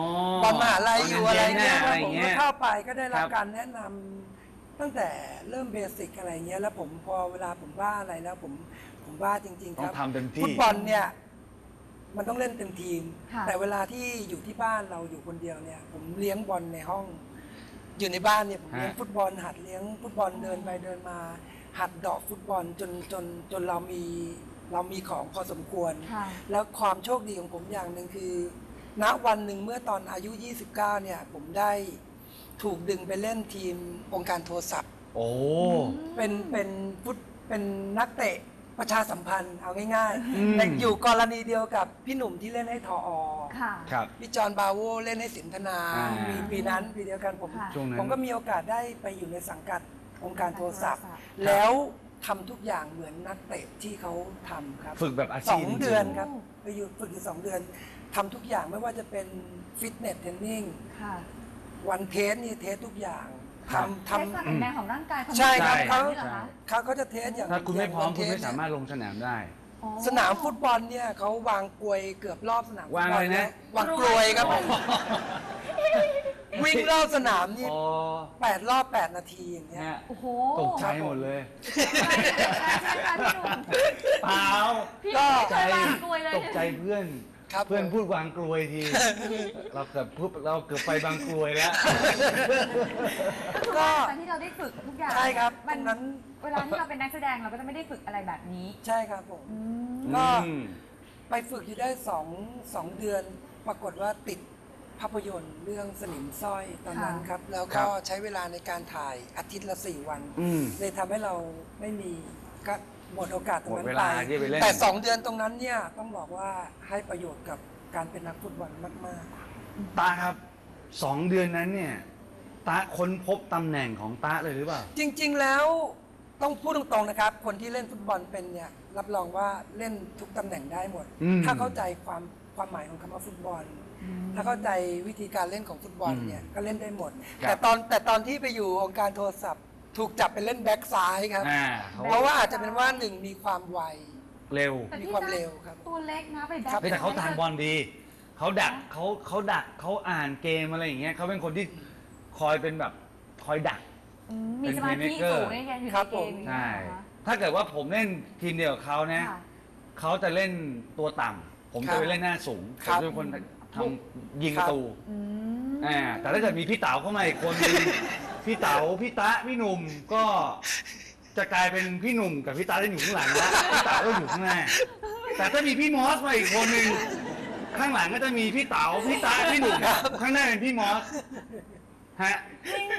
Speaker 3: อลมหาลัยอยู่อะไรเงี้ย
Speaker 1: อะ
Speaker 3: ค
Speaker 1: ไร
Speaker 3: รับผม
Speaker 1: เงี้
Speaker 3: ก็
Speaker 1: ย
Speaker 3: เข้าไปก็ได้รับ
Speaker 1: ครับ
Speaker 3: การแนะนำตั้งแต่เริ่มเบสิกอะไรเงี้ยแล้วผมพอเวลาผมว่าอะไรแล้วผมผมว่าจริงๆ
Speaker 1: ต้
Speaker 3: ค
Speaker 1: อง
Speaker 3: รับ
Speaker 1: ทำเต็มที่
Speaker 3: ฟุตบอลเนี่ยมันต้องเล่นเต็มทีม
Speaker 2: ค่ะ
Speaker 3: แต่เวลาที่อยู่ที่บ้านเราอยู่คนเดียวเนี่ย ผมเลี้ยงบอลในห้อง อยู่ในบ้านเนี่ยผมเลี้ยง
Speaker 1: ฮะ
Speaker 3: ฟุตบอล หัดเลี้ยงฟุตบอลเดินไปเดินมา หัดเดอกฟุตบอลจนจนจนเรามีเรามีของพอสมควร
Speaker 2: ค่ะ
Speaker 3: แล้วความโชคดีของผมอย่างหนึ่งคือ ณวันหนึ่งเมื่อตอนอายุ ยี่สิบเก้า เนี่ย ผมได้ถูกดึงไปเล่นทีมองค์การโทรศัพท์
Speaker 1: โอ้
Speaker 3: เป็นเป็นฟุตเป็นนักเตะประชาสัมพันธ์เอาง่าย
Speaker 1: อืม
Speaker 3: ๆแต่อยู่กรณีเดียวกับพี่หนุ่มที่เล่นให้ทออ
Speaker 2: ค่ะ
Speaker 1: ครับ
Speaker 3: พี่จอห์นบาโวเล่นให้สินธนา
Speaker 1: อ่า
Speaker 3: ปีปีนั้นปีเดียวกันผม
Speaker 2: ค่ะ
Speaker 1: ช่วงนั้น
Speaker 3: ผมก็มีโอกาสได้ไปอยู่ในสังกัดองค์การโทรศัพท์
Speaker 2: องค์การโทรศัพท์
Speaker 3: แล้วทำทุกอย่างเหมือนนักเตะที่เขาทำครับ
Speaker 1: ฝึกแบบอา
Speaker 3: ส
Speaker 1: ชี
Speaker 3: อ
Speaker 1: พ
Speaker 3: ง
Speaker 1: จริงๆ
Speaker 3: เดือนครับไปอยู่ฝึกอยู่สองเดือนทำทุกอย่างไม่ว่าจะเป็นฟิตเนสเทรนนิ่ง
Speaker 2: ค่ะ
Speaker 3: วันเทสนี่เทสทุกอย่าง
Speaker 1: ครับ
Speaker 3: ทำ
Speaker 2: เทส
Speaker 3: ทำ
Speaker 2: ความแข็งแรงของร่างกายของ
Speaker 3: ใช่ครับ
Speaker 2: ร่งกยนี่เหรอคะ
Speaker 3: เขาเขาจะเทสอย่าง
Speaker 1: ถ้าคุณไม่พร้อม
Speaker 3: ย่ง
Speaker 1: คุณ
Speaker 3: วัน
Speaker 1: ไม่
Speaker 3: เท
Speaker 1: สามารถลงสนามได้
Speaker 2: อ๋อ
Speaker 3: สนามฟุตบอลเนี่ยเขาวางกลวยเกือบรอบสนามฟุต
Speaker 1: วาง
Speaker 3: บอ
Speaker 1: อะไร
Speaker 3: ล
Speaker 1: นะ
Speaker 3: วางกลวยครับผมวิ่งรอบสนามนี่
Speaker 1: อ๋อ
Speaker 3: แปดรอบแปดนาทีอย่างเงี้ย
Speaker 1: ฮะ
Speaker 2: โอ้โห
Speaker 1: ตกใจหมดเลย
Speaker 2: ใช่ใช่ค่ะพี่หนุ่ม
Speaker 1: เปล่า
Speaker 2: พี่หนุ่มไม่เคยวางกลวยเลย
Speaker 1: ตกใจเพื่อน
Speaker 3: ครับ
Speaker 1: เพื่อน
Speaker 3: ผม
Speaker 1: พูดวางกลวยที เราเกือบพูดเราเกือบไปบางกลวยแล้ว
Speaker 2: ก็คือว่าการที่เราได้ฝึกทุกอย่าง
Speaker 3: ใช่ครับ
Speaker 2: มัน
Speaker 3: ตรงนั้น
Speaker 2: เวลาที่เราเป็นนักแสดงเราก็จะไม่ได้ฝึกอะไรแบบนี้
Speaker 3: ใช่ครับผม
Speaker 2: อืม
Speaker 3: ก็
Speaker 1: อืม
Speaker 3: ไปฝึกอยู่ได้สองสองเดือน ปรากฏว่าติดภาพยนตร์เรื่องสนิมสร้อยตอนนั้นครับ แล้ว
Speaker 1: ครั
Speaker 3: ก็
Speaker 1: บ
Speaker 3: ใช้เวลาในการถ่ายอาทิตย์ละสี่วัน
Speaker 1: อืม
Speaker 3: เลยทำให้เราไม่มีก็หมดโอกาสตรงนั้น
Speaker 1: หมดเว
Speaker 3: ไป
Speaker 1: ลาที่ไปเล่น
Speaker 3: แต่สองเดือนตรงนั้นเนี่ยต้องบอกว่าให้ประโยชน์กับการเป็นนักฟุตบอลมาก
Speaker 1: ตาครับสองเดือนนั้นเนี่ยตาค้นพบตำแหน่งของตาเลยหรือเปล่า
Speaker 3: ๆ จริง ๆแล้วต้องพูดตรงๆนะครับ คนที่เล่นฟุตบอลเป็นเนี่ยรับรองว่าเล่นทุกตำแหน่งได้หมด
Speaker 1: อืม
Speaker 3: ถ้าเข้าใจความความหมายของคำว่าฟุตบอล ถ้าเข้าใจวิธีการเล่นของฟุตบอลเนี่ยก็เล่นได้หมด
Speaker 1: ครับ
Speaker 3: แต่ตอนแต่ตอนที่ไปอยู่องค์การโทรศัพท์ ถูกจับไปเล่นแบ็กซ้ายครับ
Speaker 1: อ่า
Speaker 3: เพราะว่าอาจจะเป็นว่าหนึ่งมีความไว
Speaker 1: เร็ว
Speaker 2: แต่
Speaker 3: มี
Speaker 2: พี่
Speaker 3: ความ
Speaker 2: นะ
Speaker 3: เร็วครับ
Speaker 2: ตัวเล็กนะไปแบ็ค
Speaker 3: ครับ
Speaker 1: แต่เขาทานบอลดี เขาดักเขาเขาดักเขาอ่านเกมอะไรอย่างเงี้ยเขาเป็นคนที่คอยเป็นแบบคอยดัก
Speaker 2: อืมมีสมาธิสูงในการอยู่
Speaker 3: ครั
Speaker 2: ใน
Speaker 3: บ
Speaker 2: เก
Speaker 3: ผม ม
Speaker 2: อย่าง
Speaker 1: ใช่
Speaker 2: เงี้ยเหรอคะ
Speaker 1: ถ้าเกิดว่าผมเล่นทีมเดียวกับเขานะ
Speaker 2: ค่ะ
Speaker 1: เขาจะเล่นตัวต่ำผม
Speaker 3: ครั
Speaker 1: จะ
Speaker 3: บ
Speaker 1: ไปเล่นหน้าสูง
Speaker 3: ค
Speaker 1: ผ
Speaker 3: รั
Speaker 1: ม
Speaker 3: บ
Speaker 1: จะเป็นคนทำยิงประตู
Speaker 2: อืม
Speaker 1: อ่าแต่ถ้าเกิดมีพี่เต๋าเข้ามาอีกคนนึง พี่เต๋าพี่ตะพี่หนุ่มก็จะกลายเป็นพี่หนุ่มกับพี่ตะได้อยู่ข้างหลังแล้วพี่เต๋าก็อยู่ข้างหน้าแต่ถ้ามีพี่มอสมาอีกคนนึงข้างหลังก็จะมีพี่เต๋าพี่ตะพี่หนุ่มข้างหน้าเป็นพี่มอสฮะ
Speaker 2: จริงเหรอ
Speaker 1: เ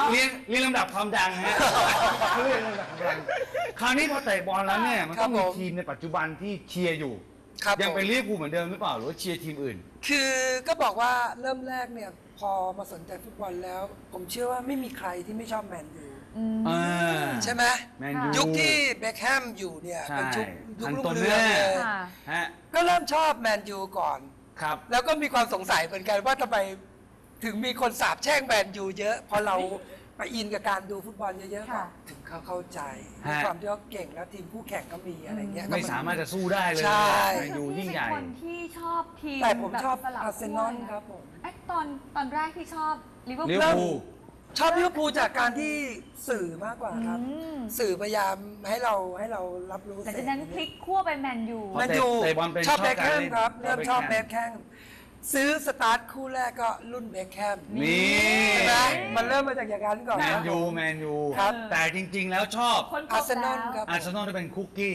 Speaker 1: เรียงเรียงลำดับความดังฮะเรียงลำดับความดังคราวนี้พอเตะบอลแล้วเนี่ยมันต้องมีทีมในปัจจุบันที่เชียร์อยู่ยังเป็นลิเวอร์พูลเหมือนเดิมหรือเปล่าหรือว่าเชียร์ทีมอื่น
Speaker 3: คือก็บอกว่าเริ่มแรกเนี่ยพอมาสนใจฟุตบอลแล้ว ผมเชื่อว่าไม่มีใครที่ไม่ชอบแมนยูใช่ไหมยุคที่เบคแฮมอยู่เนี่ยเป็นยุคยุครุ่งเรืองเลยก็เริ่มชอบแมนยูก่อน
Speaker 1: ครับ
Speaker 3: แล้วก็มีความสงสัยเหมือนกันว่าทำไมถึงมีคนสาบแช่งแมนยูเยอะพอเราไปอินกับการดูฟุตบอลเยอะๆก็ถึงเขาเข้าใจในความที่เขาเก่งแล้วทีมคู่แข่งก็มีอะไรเงี้ย
Speaker 1: ไม่สามารถจะสู้ได้เลยแมนยูยิ่งใหญ่
Speaker 2: คนที่ชอบทีม
Speaker 3: แต่ผมชอบอาร์เซนอลครับผม
Speaker 2: ไอ้ตอนตอนแรกที่ชอบลิเวอร์พูล
Speaker 3: ชอบลิเวอร์พูลจากการที่สื่อมากกว่าครับสื่อพยายามให้เราให้เรารับรู้
Speaker 2: แต่จากนั้นพลิกขั้วไปแมนยู
Speaker 3: แมนยูชอบเบคแฮมครับเริ่มชอบเบคแฮมซื้อสตาร์ทคู่แรกก็รุ่นเบคแฮม
Speaker 1: นี่
Speaker 3: ใช่ไหมมันเริ่มมาจากอย่างนั้นก่อน
Speaker 1: แมนยูแมนยูแต่จริงๆแล้วชอบ
Speaker 3: อาร์เซนอลครับ
Speaker 1: อาร์เซนอลจะเป็นคุกกี้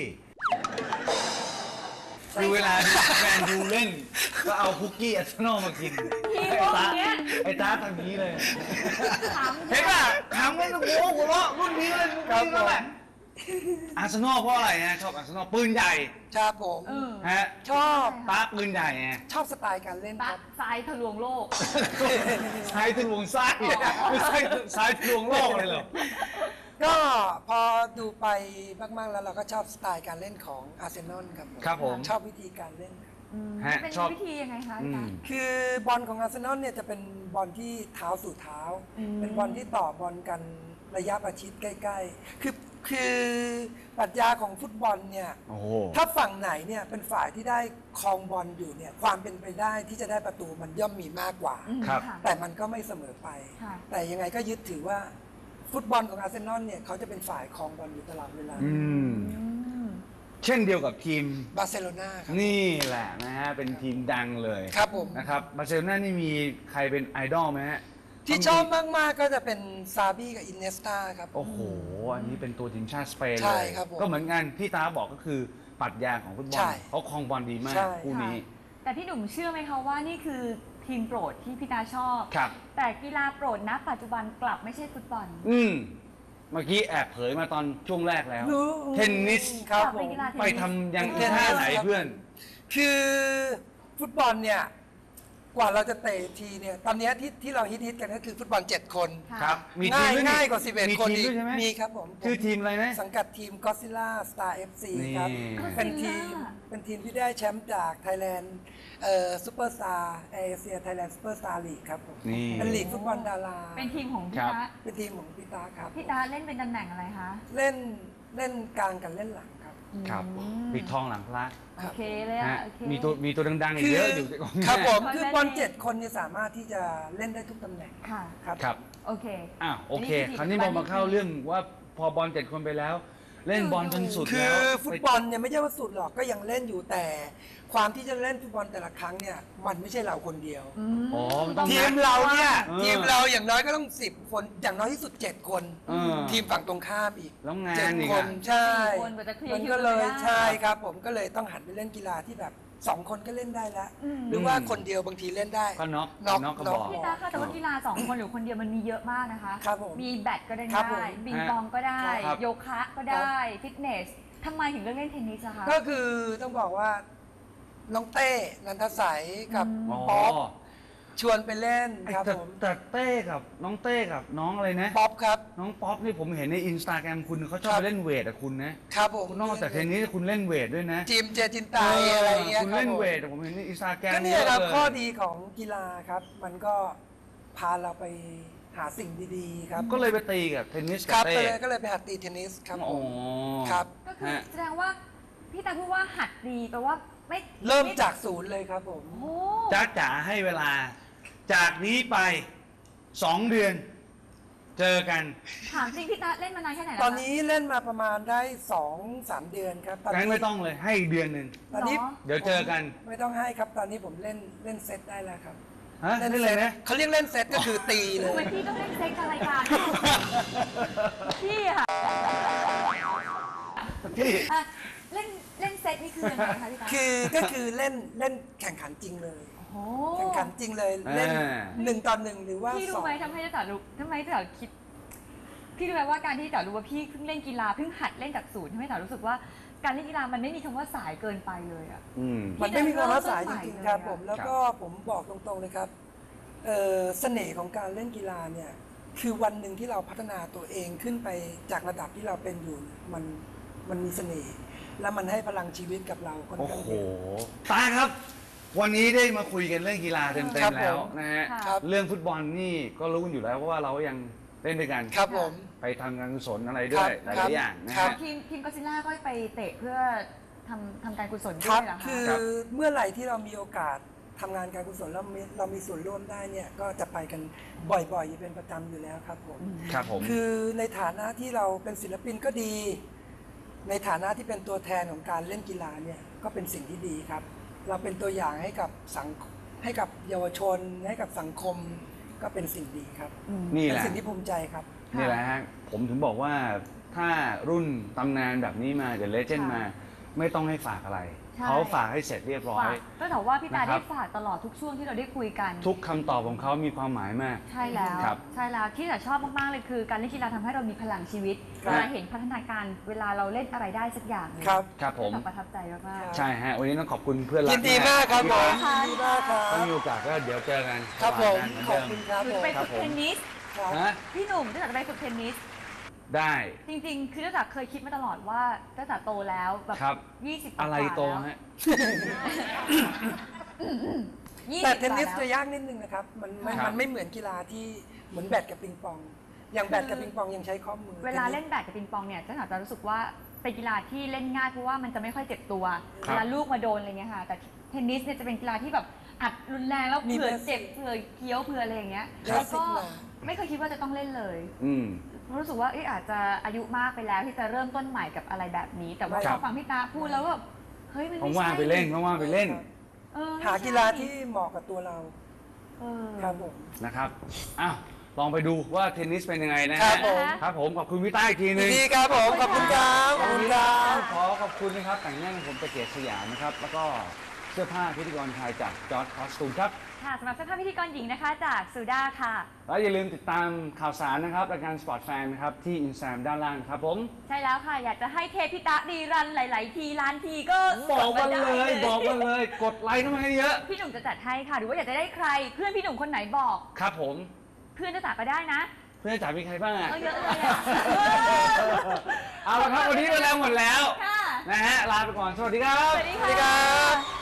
Speaker 1: คือเวลาแมนยูเล่นก็เอาคุกกี้อาร์เซนอลมากินไอ้ตาไอ้ตาทำนี้เลยเห็นป่ะถามกันโอ้โหหัวเราะรุ่นนี้เลยรุ่นนี้แล้วแหละอาร์เซนอลเพราะอะไรนะชอบอาร์เซนอลปืนใหญ่
Speaker 3: ชอบผม
Speaker 1: ฮะ
Speaker 3: ชอบ
Speaker 1: ตาปืนใหญ่ไง
Speaker 3: ชอบสไตล์การเล่นครับ
Speaker 2: ทรายทะลวงโลก
Speaker 1: ทรายทะลวงทรายไม่ใช่ทรายทะลวงโลกเลยเหรอ
Speaker 3: ก็พอดูไปมากๆแล้วเราก็ชอบสไตล์การเล่นของอาร์เซนอลครับผม
Speaker 1: ครับผม
Speaker 3: ชอบวิธีการเล่น
Speaker 2: เป็นวิธียังไงคะ
Speaker 3: คือบอลของอาร์เซนอลเนี่ยจะเป็นบอลที่เท้าสู่เท้าเป็นบอลที่ต่อบอลกันระยะประชิดใกล้ๆคือคือปรัชญาของฟุตบอลเนี่ยถ้าฝั่งไหนเนี่ยเป็นฝ่ายที่ได้ครองบอลอยู่เนี่ยความเป็นไปได้ที่จะได้ประตูมันย่อมมีมากกว่าแต่มันก็ไม่เสมอไปแต่ยังไงก็ยึดถือว่าฟุตบอลของอาร์เซนอลเนี่ยเขาจะเป็นฝ่ายครองบอลอยู่ตลอดเวลา
Speaker 1: เช่นเดียวกับทีม
Speaker 3: บาร์เซโลนาครับ
Speaker 1: นี่แหละนะฮะเป็นทีมดังเลย
Speaker 3: ครับผม
Speaker 1: นะครับบาร์เซโลนานี่มีใครเป็นไอดอลไหมฮะ
Speaker 3: ที่ชอบมากๆก็จะเป็นซาบี้กับอินเนสตาครับ
Speaker 1: โอ้โหอันนี้เป็นตัวทีมชาติสเปนเลยก็เหมือนกันที่ตาบอกก็คือปรัชญาของฟุตบอลเขาครองบอลดีมากคู่นี้
Speaker 2: แต่พี่หนุ่มเชื่อไหมคะว่านี่คือทีมโปรดที่พี่ตาชอบ
Speaker 1: ครับ
Speaker 2: แต่กีฬาโปรดณปัจจุบันกลับไม่ใช่ฟุตบอล
Speaker 1: อืมเมื่อกี้แอบเผยมาตอนช่วงแรกแล้วเทนนิส
Speaker 3: ครับ
Speaker 1: ไปทำยังท่าไหนเพื่อน
Speaker 3: คือฟุตบอลเนี่ยกว่าเราจะเตะทีเนี่ยตอนนี้ที่ที่เราฮิตๆกันก็คือฟุตบอลเจ็ดคน
Speaker 1: ครับ
Speaker 3: ง่ายง่ายกว่าสิบเอ็ดคนอีกมีครับผม
Speaker 1: คือทีมอะไรนะ
Speaker 3: สังกัดทีมก็ซิล่าสตาร์เอฟซีครับเป็นทีมเป็นทีมที่ได้แชมป์จากไทยแลนด์เอ่อซูเปอร์สตาร์เอเชียไทยแลนด์ซูเปอร์สตาร์ลีกครับผมเป็นลีกฟุตบอลดารา
Speaker 2: เป็นทีมของพี่ตา
Speaker 3: เป็นทีมของพี่ตาครับ
Speaker 2: พี่ตาเล่นเป็นตำแหน่งอะไรคะ
Speaker 3: เล่นเล่นกลางกับเล่นหลังครับ
Speaker 1: ครับปิดทองหลังพระ
Speaker 2: โอเคเลยอ่ะ
Speaker 1: มีตัวมีตัวดังๆเยอะอยู่
Speaker 3: ครับผมคือบอลเจ็ดคนเนี่ยสามารถที่จะเล่นได้ทุกตำแหน่ง
Speaker 2: ค่ะ
Speaker 3: ครับ
Speaker 1: ครับ
Speaker 2: โอเค
Speaker 1: อ่ะโอเคคราวนี้เรามาเข้าเรื่องว่าพอบอลเจ็ดคนไปแล้วเล่นบอลจนสุด
Speaker 3: แล้วคือฟุตบอลเนี่ยไม่ใช่ว่าสุดหรอกก็ยังเล่นอยู่แต่ความที่จะเล่นฟุตบอลแต่ละครั้งเนี่ยมันไม่ใช่เราคนเดียวทีมเราเนี่ยทีมเราอย่างน้อยก็ต้องสิบคนอย่างน้อยที่สุดเจ็ดคนทีมฝั่งตรงข้ามอีกเจ็ดคนใช่มันก็เลยใช่ครับผมก็เลยต้องหันไปเล่นกีฬาที่แบบสองคนก็เล่นได้แล้วหรือว่าคนเดียวบางทีเล่นได้
Speaker 1: ก็น็อก
Speaker 3: น็อก
Speaker 1: น็อกก็บอก
Speaker 2: พี่ตาค่ะแต่ว่ากีฬาสองคนหรือคนเดียวมันมีเยอะมากนะคะ
Speaker 3: ครับผม
Speaker 2: มีแบดก็ได้บิงปองก็ได้โยคะก็ได้ฟิตเนสทำไมถึงเลือกเล่นเทนนิสอะคะ
Speaker 3: ก็คือต้องบอกว่าน้องเต้นันทสัยกับป๊อปชวนไปเล่นครับผม
Speaker 1: แต่เต้กับน้องเต้กับน้องอะไรนะ
Speaker 3: ป๊อปครับ
Speaker 1: น้องป๊อปนี่ผมเห็นในอินสตาแกรมคุณเขาชอบไปเล่นเวทอะคุณ
Speaker 3: นะครับผม
Speaker 1: นอกจากเทนนิสคุณเล่นเวทด้วยนะ
Speaker 3: จิมเจจินตายอะไรเงี้ย
Speaker 1: คุณเล่นเวทผมเห็นในอินสตาแกรม
Speaker 3: ก็นี่ครับข้อดีของกีฬาครับมันก็พาเราไปหาสิ่งดีๆครับ
Speaker 1: ก็เลยไปตีกับเทนนิสกับเต้
Speaker 3: ก็เลยไปหัดตีเทนนิสครับ
Speaker 1: อ๋อ
Speaker 3: ครับ
Speaker 2: ก็คือแสดงว่าพี่ตาพูดว่าหัดดีแปลว่าไม่
Speaker 3: เริ่มจากศูนย์เลยครับผม
Speaker 1: จ้าจ๋าให้เวลาจากนี้ไปสองเดือนเจอกัน
Speaker 2: ถามจริงพี่ตาเล่นมานานแค่ไหนแล้ว
Speaker 3: ตอนนี้เล่นมาประมาณได้สองสามเดือนครับ
Speaker 1: ตอนนี้ไม่ต้องเลยให้เดือนหนึ่ง
Speaker 3: ตอนนี้
Speaker 1: เดี๋ยวเจอกัน
Speaker 3: ไม่ต้องให้ครับตอนนี้ผมเล่นเล่นเซตได้แล้วครับ
Speaker 1: เล่นเลยนะ
Speaker 3: เขาเรียกเล่นเซตก็คือตีเลย
Speaker 2: ทำไมพี่ต้องเล่นเซตกับรายการพี่ค่ะ
Speaker 1: พี่
Speaker 2: เล่นเล่นเซตนี่คือยังไงคะพี่ตา
Speaker 3: คือก็คือเล่นเล่นแข่งขันจริงเลยแข่งขันจริงเลยเล่นหนึ่งต่อหนึ่งหรือว่า
Speaker 2: พี่รู้ไหมทำให้จ๋ารู้ทำไมจ๋าคิดพี่รู้ไหมว่าการที่จ๋ารู้ว่าพี่เพิ่งเล่นกีฬาเพิ่งหัดเล่นจากศูนย์ทำให้จ๋ารู้สึกว่าการเล่นกีฬามันไม่มีคำว่าสายเกินไปเลยอ่ะ
Speaker 3: มันไม่มีคำว่าสายจริงๆครับผมแล้วก็ผมบอกตรงๆเลยครับเอ่อเสน่ห์ของการเล่นกีฬาเนี่ยคือวันหนึ่งที่เราพัฒนาตัวเองขึ้นไปจากระดับที่เราเป็นอยู่มันมันมีเสน่ห์และมันให้พลังชีวิตกับเราค่อน
Speaker 1: โอ้
Speaker 3: ข้าง
Speaker 1: โห
Speaker 3: เยอะ
Speaker 1: ตาครับ วันนี้ได้มาคุยกันเรื่องกีฬาเต็ม
Speaker 3: ครับ
Speaker 1: ๆแล้ว
Speaker 3: ผม
Speaker 1: นะฮะ
Speaker 3: ครับ
Speaker 1: เรื่องฟุตบอลนี่ก็รู้กันอยู่แล้วเพราะว่าเราก็ยังเล่นด้วยกัน
Speaker 3: ครับผม
Speaker 1: ไปทำการกุศลอะไรด้วยห
Speaker 3: ครั
Speaker 1: ลา
Speaker 3: บ
Speaker 1: ยๆอย่างนะ
Speaker 3: ครั
Speaker 1: ฮะ
Speaker 3: บ
Speaker 2: ทีมทีมก็ซิล่าก็ไปเตะเพื่อทำทำการกุศล
Speaker 3: ค
Speaker 2: ด้
Speaker 3: รั
Speaker 2: ว
Speaker 3: บ
Speaker 2: ยเหรอ
Speaker 3: คื
Speaker 2: คะ
Speaker 3: อ
Speaker 1: ครับ
Speaker 3: เมื่อไหร่ที่เรามีโอกาสทำงานการกุศลแล้วมีเรามีส่วนร่วมได้เนี่ยก็จะไปกันบ่อยๆอยู่เป็นประจำอยู่แล้วครับผม
Speaker 1: ครับผม
Speaker 3: คือในฐานะที่เราเป็นศิลปินก็ดี ในฐานะที่เป็นตัวแทนของการเล่นกีฬาเนี่ยก็เป็นสิ่งที่ดีครับ เราเป็นตัวอย่างให้กับสังให้กับเยาวชนให้กับสังคมก็เป็นสิ่งดีครับ
Speaker 1: นี่
Speaker 3: เป็
Speaker 1: แห
Speaker 3: น
Speaker 1: ละ
Speaker 3: สิ่งที่ภูมิใจครับ
Speaker 1: นี่แหละฮะผมถึงบอกว่าถ้ารุ่นตำนานแบบนี้มาเดี๋ยวเลเจนด์
Speaker 2: ค่ะ
Speaker 1: มา ไม่ต้องให้ฝากอะไร
Speaker 2: ใช่
Speaker 1: เขาฝากให้เสร็จเรียบร้อย
Speaker 2: ฝากก็แต่ว่าพี่ตา
Speaker 1: นะครั
Speaker 2: ได้
Speaker 1: บ
Speaker 2: ฝากตลอดทุกช่วงที่เราได้คุยกัน
Speaker 1: ทุกคำตอบของเขามีความหมายมาก
Speaker 2: ใช่แล้ว
Speaker 1: ครับ
Speaker 2: ใช่แล้วที่จ๋าชอบมากๆเลยคือการเล่นกีฬาทำให้เรามีพลังชีวิต
Speaker 3: ครับ
Speaker 2: เวลาเห็นพัฒนาการเวลาเราเล่นอะไรได้สักอย่างหนึ่ง
Speaker 3: ครับ
Speaker 1: ครับผม
Speaker 2: แบบประทับใจมาก
Speaker 1: ใช่ฮะวันนี้ต้องขอบคุณเพื่อนรัก
Speaker 3: ยินดีมากครับผม
Speaker 2: ค่ะ
Speaker 3: ยินดีมากครั
Speaker 1: ถ้า
Speaker 3: บ
Speaker 1: มีโอกาสก็เดี๋ยวเจอกัน
Speaker 3: ครับผม
Speaker 1: เหมือน
Speaker 3: ขอบ
Speaker 1: เดิม
Speaker 3: คุณครับ
Speaker 2: ๆหรื
Speaker 3: ผ
Speaker 2: อ
Speaker 3: ม
Speaker 2: ไป
Speaker 1: ครั
Speaker 2: ฝึ
Speaker 1: บ
Speaker 2: ก
Speaker 1: ผม
Speaker 2: เทนนิส
Speaker 3: ครับ
Speaker 1: ฮะ
Speaker 2: พี่หนุ่มตั้งแต่จะไปฝึกเทนนิส
Speaker 1: ได้
Speaker 2: จริงๆ คือตั้งแต่เคยคิดมาตลอดว่าตั้งแต่โตแล้วแบบ
Speaker 1: ครับ
Speaker 2: ยี่สิบ
Speaker 1: อะไรโตฮะ
Speaker 2: ยี่
Speaker 3: แต่
Speaker 2: สิบ
Speaker 3: เทนนิส
Speaker 2: กว่า
Speaker 3: จะ
Speaker 2: แล้ว
Speaker 3: ยากนิดนึงนะครับ มันไม่
Speaker 1: ครับ
Speaker 3: มันไม่เหมือนกีฬาที่เหมือนแบดกับปิงปอง อย่างแบดกับปิงปองยังใช้ข้อมือ
Speaker 2: เวลาเล่นแบดกับปิงปองเนี่ยตั้งแต่จะรู้สึกว่าเป็นกีฬาที่เล่นง่ายเพราะว่ามันจะไม่ค่อยเจ็บตัว
Speaker 1: ครับ
Speaker 2: เวลาลูกมาโดนอะไรเงี้ยค่ะ แต่เทนนิสเนี่ยจะเป็นกีฬาที่แบบอัดรุนแรงแล้วเผื่อเจ็บเผื่อเคี้ยวเผื่ออะไรอย่างเงี้ย
Speaker 3: คลา
Speaker 2: แล้
Speaker 3: ส
Speaker 2: ว
Speaker 3: สิ
Speaker 2: ก็
Speaker 3: กมา
Speaker 2: ไม่เคยคิดว่าจะต้องเล่นเลย
Speaker 1: อืม
Speaker 2: รู้สึกว่าเอ๊ะอาจจะอายุมากไปแล้วที่จะเริ่มต้นใหม่กับอะไรแบบนี้ แต่ว่า
Speaker 1: ครั
Speaker 2: พอบ ฟังพี่ตาพูดแล้วแบบเฮ้ยมันไม่ใช่
Speaker 1: ว่างๆไปเล่นว่างๆไปเล่น
Speaker 2: เออไม่
Speaker 3: หา
Speaker 2: ใช่
Speaker 3: กีฬาที่เหมาะกับตัวเรา
Speaker 2: เออ
Speaker 3: ครับผม
Speaker 1: นะครับ อ้าว ลองไปดูว่าเทนนิสเป็นยังไงนะ
Speaker 3: ครั
Speaker 1: ฮะ
Speaker 3: บผม
Speaker 1: ครับผม ขอบคุณพี่ต้าอีกทีหนึง
Speaker 3: ดีครับผม ขอบคุณครับขอบคุณครับ
Speaker 1: ขอขอบคุณนะครับ แต่งหน้าของผมตะเกียบสยามนะครับ แล้วก็เสื้อผ้าพิธีกรชายจากจอร์ดคอสตูมครับ
Speaker 2: ค่ะสำหรับเสื้อผ้าพิธีกรหญิงนะคะจากซูด้าค่ะ
Speaker 1: แล้วอย่าลืมติดตามข่าวสารนะครับรายการ Sport Fan นะครับ ที่อินสตาแกรมด้านล่างนะครับผม
Speaker 2: ใช่แล้วค่ะ อยากจะให้เทพิตะดีรันหลาย ๆ ทีล้านทีก็
Speaker 1: บอกมาเลย
Speaker 2: ได้
Speaker 1: บอกมาเลย กดไลค์เข้ามาให้เยอะ
Speaker 2: พี่หนุ่มจะจัดให้ค่ะ หรือว่าอยากจะได้ใคร เพื่อนพี่หนุ่มคนไหนบอก
Speaker 1: ครับผม
Speaker 2: เพื่อนจะจัดก็ได้นะ
Speaker 1: เพื่อนจ๋ามีใครบ้างอะ
Speaker 2: เอาเยอะเลยอะ
Speaker 1: เอาละครับวันนี้เวลาหมดแล้ว
Speaker 2: ค่ะ
Speaker 1: นะฮะ ลาไปก่อน สวัสดีครับ
Speaker 2: สวัสดี
Speaker 3: สวัสดีครั
Speaker 2: ค่ะ
Speaker 3: บ